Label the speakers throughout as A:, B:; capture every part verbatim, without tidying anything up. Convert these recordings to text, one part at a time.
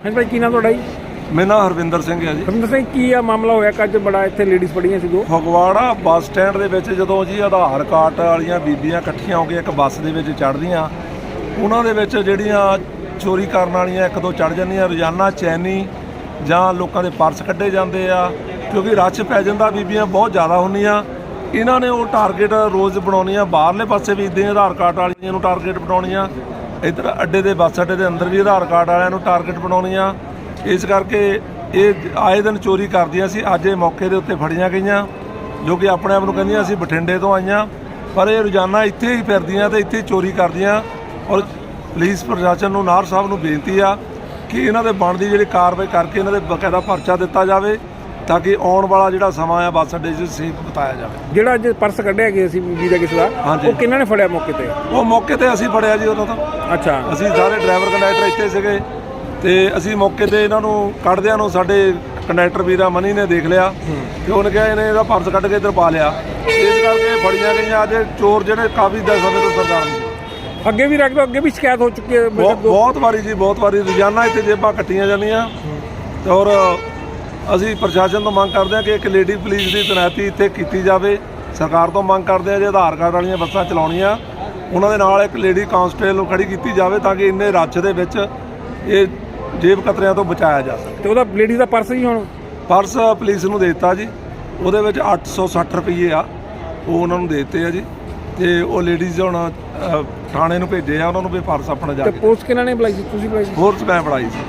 A: हाँ भाई की नाम थोड़ा जी?
B: मेरा नाम हरविंदर सिंह है जी।
A: हरविंदर सिंह की आ मामला होया कि अज बड़ा इत्थे लेडीज़ पढ़ियां सी दो
B: ਫਗਵਾੜਾ ਬੱਸ ਸਟੈਂਡ ਦੇ ਵਿੱਚ ਜਦੋਂ ਜੀ ਆਧਾਰ ਕਾਰਡ ਵਾਲੀਆਂ ਬੀਬੀਆਂ ਇਕੱਠੀਆਂ ਹੋ ਕੇ ਇੱਕ ਬੱਸ ਦੇ ਵਿੱਚ ਚੜ੍ਹਦੀਆਂ, ਉਹਨਾਂ ਦੇ ਵਿੱਚ ਜਿਹੜੀਆਂ ਚੋਰੀ ਕਰਨ ਵਾਲੀਆਂ ਇੱਕ ਦੋ ਚੜ੍ਹ ਜਾਂਦੀਆਂ। ਰੋਜ਼ਾਨਾ ਚੈਨੀ ਜਾਂ ਲੋਕਾਂ ਦੇ ਪਰਸ ਕੱਢੇ ਜਾਂਦੇ ਆ, ਕਿਉਂਕਿ ਰੱਛ ਪੈ ਜਾਂਦਾ, ਬੀਬੀਆਂ ਬਹੁਤ ਜ਼ਿਆਦਾ ਹੁੰਦੀਆਂ। ਇਹਨਾਂ ਨੇ ਉਹ ਟਾਰਗੇਟ ਰੋਜ਼ ਬਣਾਉਣੀਆਂ, ਬਾਹਰਲੇ ਪਾਸੇ ਵੀ ਇੱਦਾਂ ਆਧਾਰ ਕਾਰਡ ਵਾਲੀਆਂ ਨੂੰ ਟਾਰਗੇਟ ਬਣਾਉਣੀਆਂ, ਇੱਧਰ ਅੱਡੇ ਦੇ ਬੱਸ ਅੱਡੇ ਦੇ ਅੰਦਰ ਵੀ ਆਧਾਰ ਕਾਰਡ ਵਾਲਿਆਂ ਨੂੰ ਟਾਰਗੇਟ ਬਣਾਉਣੀਆਂ। ਇਸ ਕਰਕੇ ਇਹ ਆਏ ਦਿਨ ਚੋਰੀ ਕਰਦੀਆਂ ਸੀ। ਅੱਜ ਇਹ ਮੌਕੇ ਦੇ ਉੱਤੇ ਫੜੀਆਂ ਗਈਆਂ, ਜੋ ਕਿ ਆਪਣੇ ਆਪ ਨੂੰ ਕਹਿੰਦੀਆਂ ਅਸੀਂ ਬਠਿੰਡੇ ਤੋਂ ਆਈਆਂ, ਪਰ ਇਹ ਰੋਜ਼ਾਨਾ ਇੱਥੇ ਹੀ ਫਿਰਦੀਆਂ ਤੇ ਇੱਥੇ ਚੋਰੀ ਕਰਦੀਆਂ। ਔਰ ਪੁਲਿਸ ਪ੍ਰਸ਼ਾਸਨ ਨੂੰ, ਨਾਹਰ ਸਾਹਿਬ ਨੂੰ ਬੇਨਤੀ ਆ ਕਿ ਇਹਨਾਂ ਦੇ ਬਣਦੀ ਜਿਹੜੀ ਕਾਰਵਾਈ ਕਰਕੇ ਇਹਨਾਂ ਦੇ ਬਕਾਇਦਾ ਪਰਚਾ ਦਿੱਤਾ ਜਾਵੇ, ਤਾਂ ਕਿ ਆਉਣ ਵਾਲਾ ਜਿਹੜਾ ਸਮਾਂ ਆ ਬੱਸ ਅੱਡੇ 'ਚ ਸੇਫ ਬਿਤਾਇਆ ਜਾਵੇ।
A: ਜਿਹੜਾ ਅੱਜ ਪਰਸ ਕੱਢਿਆ ਗਿਆ ਸੀ ਬੀਬੀ ਦਾ ਕਿਸੇ ਦਾ, ਉਹ ਕਿਹਨਾਂ ਨੇ ਫੜਿਆ ਮੌਕੇ ਤੇ?
B: ਉਹ ਮੌਕੇ ਤੇ ਅਸੀਂ ਫੜਿਆ ਜੀ ਉਹਨਾਂ ਤੋਂ।
A: ਅੱਛਾ,
B: ਅਸੀਂ ਸਾਰੇ ਡਰਾਈਵਰ ਕੰਡਕਟਰ ਇੱਥੇ ਸੀਗੇ ਤੇ ਅਸੀਂ ਮੌਕੇ ਤੇ ਇਹਨਾਂ ਨੂੰ ਕੱਢਦਿਆਂ ਨੂੰ ਸਾਡੇ ਕੰਡਕਟਰ ਵੀਰਾ ਮਨੀ ਨੇ ਦੇਖ ਲਿਆ ਤੇ ਉਹਨੇ ਕਿਹਾ ਇਹਨੇ ਇਹਦਾ ਪਰਸ ਕੱਢ ਕੇ ਇੱਧਰ ਪਾ ਲਿਆ। ਇਸ ਕਰਕੇ ਫੜੀਆਂ ਗਈਆਂ। ਅੱਜ ਚੋਰ ਜਿਹੜੇ ਕਾਫੀ ਦਸ ਸਮੇਂ ਤੋਂ ਸਰਦਾਰ ਨੇ,
A: ਅੱਗੇ ਵੀ ਰੱਖ ਅੱਗੇ ਵੀ ਸ਼ਿਕਾਇਤ ਹੋ ਚੁੱਕੀ ਹੈ
B: ਬਹੁਤ ਬਹੁਤ ਵਾਰੀ ਜੀ, ਬਹੁਤ ਵਾਰੀ ਰੋਜ਼ਾਨਾ ਇੱਥੇ ਜੇਬਾਂ ਕੱਟੀਆਂ ਜਾਂਦੀਆਂ। ਤੇ ਔਰ ਅਸੀਂ ਪ੍ਰਸ਼ਾਸਨ ਤੋਂ ਮੰਗ ਕਰਦੇ ਹਾਂ ਕਿ ਇੱਕ ਲੇਡੀ ਪੁਲਿਸ ਦੀ ਤੈਨਾਤੀ ਇੱਥੇ ਕੀਤੀ ਜਾਵੇ। ਸਰਕਾਰ ਤੋਂ ਮੰਗ ਕਰਦੇ ਹਾਂ ਜੇ ਆਧਾਰ ਕਾਰਡ ਵਾਲੀਆਂ ਬੱਸਾਂ ਚਲਾਉਣੀਆਂ, ਉਹਨਾਂ ਦੇ ਨਾਲ ਇੱਕ ਲੇਡੀ ਕਾਂਸਟੇਬਲ ਨੂੰ ਖੜੀ ਕੀਤੀ ਜਾਵੇ, ਤਾਂ ਕਿ ਇੰਨੇ ਰੱਛ ਦੇ ਵਿੱਚ ਇਹ ਜੇਬ ਕਤਰਿਆਂ ਤੋਂ ਬਚਾਇਆ ਜਾ ਸਕੇ।
A: ਤੇ ਉਹਦਾ ਲੇਡੀ ਦਾ ਪਰਸ ਹੀ ਹੁਣ
B: ਪਰਸ ਪੁਲਿਸ ਨੂੰ ਦੇ ਦਿੱਤਾ ਜੀ, ਉਹਦੇ ਵਿੱਚ ਅੱਠ ਸੌ ਸੱਠ ਰੁਪਈਏ ਆ, ਉਹ ਉਹਨਾਂ ਨੂੰ ਦੇ ਦਿੱਤੇ ਆ ਜੀ। ਤੇ ਉਹ ਲੇਡੀਜ਼ ਹੁਣ ਥਾਣੇ ਨੂੰ ਭੇਜੇ ਆ, ਉਹਨਾਂ ਨੂੰ ਵੀ ਪਰਸ ਆਪਣਾ ਜਾ
A: ਤੇ
B: ਕੇ।
A: ਪੁਲਿਸ ਕਿਹਨਾਂ ਨੇ ਬੁਲਾਈ ਸੀ? ਤੁਸੀਂ ਬੁਲਾਈ ਸੀ?
B: ਫੋਰਸ ਮੈਂ ਫੜਾਈ ਸੀ।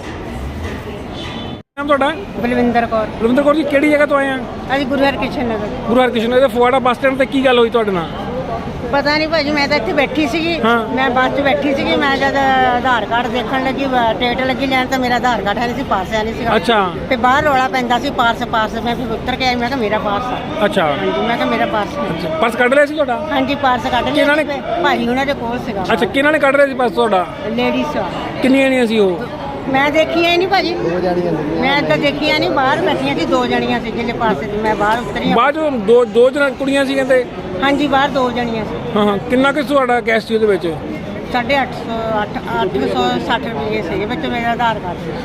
A: ਨਾਮ ਤੁਹਾਡਾ?
C: ਬਲਵਿੰਦਰ ਕੌਰ।
A: ਬਲਵਿੰਦਰ ਕੌਰ ਜੀ, ਕਿਹੜੀ ਜਗ੍ਹਾ ਤੋਂ ਆਏ ਆ?
C: ਅਸੀਂ ਗੁਰੂ ਹਰਕ੍ਰਿਸ਼ਨ ਨਗਰ।
A: ਗੁਰੂ ਹਰਕ੍ਰਿਸ਼ਨ ਨਗਰ ਦੇ ਫਗਵਾੜਾ ਬੱਸ ਸਟੈਂਡ ਤੇ ਕੀ ਗੱਲ ਹੋਈ ਤੁਹਾਡੇ ਨਾਲ?
C: ਪਤਾ ਨਹੀਂ ਭਾਜੀ, ਮੈਂ ਤਾਂ ਇੱਥੇ ਬੈਠੀ ਸੀਗੀ,
A: ਹਾਂ।
C: ਮੈਂ ਬੱਸ 'ਚ ਬੈਠੀ ਸੀਗੀ। ਮੈਂ ਜਦ ਆਧਾਰ ਕਾਰਡ ਦੇਖਣ ਲੱਗੀ, ਟਿਕਟ ਲੱਗੀ ਲੈਣ, ਤਾਂ ਮੇਰਾ ਆਧਾਰ ਕਾਰਡ ਹੈ ਨਹੀਂ ਸੀ, ਪਾਸ ਹੈ ਨਹੀਂ ਸੀਗਾ।
A: ਅੱਛਾ।
C: ਤੇ ਬਾਹਰ ਰੌਲਾ ਪੈਂਦਾ ਸੀ ਪਾਰਸ ਪਾਰਸ। ਮੈਂ ਫਿਰ ਉੱਤਰ ਕੇ ਆਈ, ਮੈਂ ਕਿਹਾ ਮੇਰਾ ਪਾਰਸ ਆ।
A: ਅੱਛਾ,
C: ਹਾਂਜੀ, ਮੈਂ ਕਿਹਾ ਮੇਰਾ ਪਾਰਸ ਹੈ।
A: ਪਰਸ ਕੱਢ ਲਿਆ ਸੀ ਤੁਹਾਡਾ?
C: ਹਾਂਜੀ, ਪਾਰਸ ਕੱਢ ਲਿਆ
A: ਕਿਹਨਾਂ ਨੇ?
C: ਸੀ, ਭਾਜੀ ਉਹਨਾਂ ਦੇ ਕੋਲ ਸੀਗਾ।
A: ਅੱਛਾ, ਕਿਹਨਾਂ ਨੇ ਕੱਢ ਰਿਹਾ ਸੀ ਪਰਸ ਤੁਹਾਡਾ?
C: ਲੇਡੀਜ਼ ਆ।
A: ਕਿੰਨੀਆਂ ਜਣੀਆਂ ਸੀ ਉਹ?
C: ਮੈਂ ਦੇਖੀਆਂ ਹੀ ਨਹੀਂ ਭਾਜੀ, ਮੈਂ ਤਾਂ ਦੇਖੀਆਂ ਨਹੀਂ। ਬਾਹਰ ਬੈਠੀਆਂ ਸੀ, ਦੋ ਜਣੀਆਂ ਸੀ ਜਿਹਦੇ ਪਾਸੇ ਦੀ। ਮੈਂ ਬਾਹਰ ਉਤਰੀ ਹਾਂ।
A: ਬਾਅਦ ਚੋਂ ਦੋ ਦੋ ਜਣ ਕੁੜੀਆਂ ਸੀ ਕਹਿੰਦੇ?
C: ਹਾਂਜੀ, ਬਾਹਰ ਦੋ ਜਣੀਆਂ ਸੀ।
A: ਹਾਂ ਹਾਂ, ਕਿੰਨਾ ਕੁ ਤੁਹਾਡਾ ਕੈਸ਼ ਸੀ ਉਹਦੇ ਵਿੱਚ?
C: ਸਾਢੇ ਅੱਠ ਸੌ ਅੱਠ ਅੱਠ ਸੌ ਸੱਠ ਰੁਪਏ ਸੀਗੇ ਵਿੱਚ, ਮੇਰਾ ਆਧਾਰ ਕਾਰਡ ਸੀ।